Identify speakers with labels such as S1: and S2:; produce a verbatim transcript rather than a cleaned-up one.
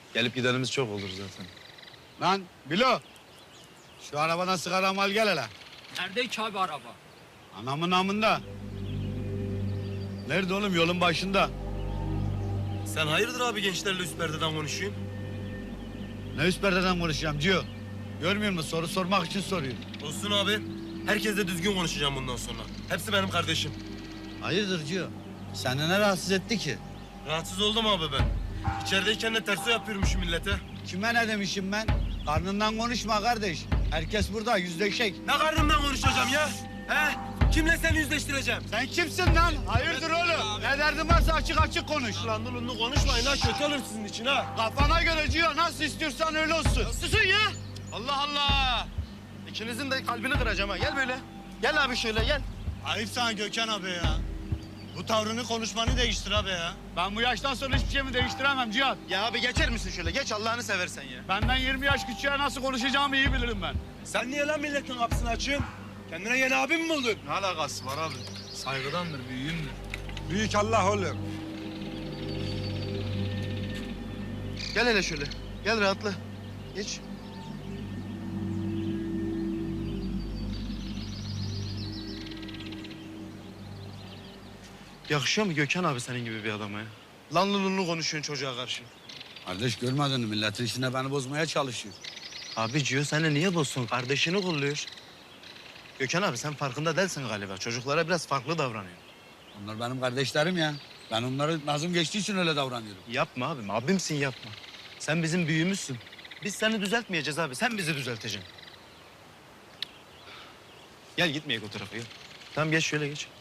S1: Gelip gidenimiz çok olur zaten.
S2: Lan Bilo. Şu arabadan sigara al gel hele.
S3: Nerede ki abi araba?
S2: Anamın namında. Nerede oğlum? Yolun başında.
S4: Sen hayırdır abi gençlerle üst perdeden konuşuyorsun?
S2: Ne üst perdeden konuşacağım Cio? Görmüyor musun? Soru sormak için soruyor.
S4: Olsun abi. Herkesle düzgün konuşacağım bundan sonra. Hepsi benim kardeşim.
S2: Hayırdır Cio? Seni ne rahatsız etti ki?
S4: Rahatsız oldum abi ben. İçerideyken de terso yapıyorum şu millete.
S2: Kime ne demişim ben? Karnından konuşma kardeş. Herkes burada yüzleşek.
S4: Ne karnımdan konuşacağım ya? He? Kimle seni yüzleştireceğim?
S2: Sen kimsin lan? Hayırdır oğlum? Ne derdin varsa açık açık konuş.
S4: Lan dulunlu konuşmayın ha. Kötü olur sizin için ha.
S2: Kafana göre Cio, nasıl istiyorsan öyle olsun.
S4: Susun ya. Allah Allah. İkinizin de kalbini kıracağım ha. Gel böyle. Gel abi şöyle gel.
S5: Ayıp sana Gökhan abi ya. Bu tavrını konuşmanı değiştir abi ya.
S2: Ben bu yaştan sonra hiçbir şeyimi değiştiremem Cihat.
S4: Ya abi geçer misin şöyle? Geç Allah'ını seversen ya.
S2: Benden yirmi yaş küçüğe nasıl konuşacağımı iyi bilirim ben.
S4: Sen niye lan milletin kapısını açıyorsun? Kendine yeni abim mi buldun?
S1: Ne alakası var abi? Saygıdandır, büyüğümdür.
S5: Büyük Allah oğlum.
S4: Gel hele şöyle. Gel rahatla. Geç. Yakışıyor mu Gökhan abi senin gibi bir adama ya? Lan lulunlu konuşuyorsun çocuğa karşı.
S2: Kardeş görmedin mi? Milletin işine beni bozmaya çalışıyor.
S4: Abi Cio seni niye bozsun? Kardeşini kolluyor. Gökhan abi sen farkında değilsin galiba. Çocuklara biraz farklı davranıyor.
S2: Onlar benim kardeşlerim ya. Ben onları nazım geçtiği için öyle davranıyorum.
S4: Yapma abim. Abimsin yapma. Sen bizim büyüğümüzsün. Biz seni düzeltmeyeceğiz abi. Sen bizi düzelteceksin. Gel gitmeyek o tarafa gel. Tamam geç şöyle geç.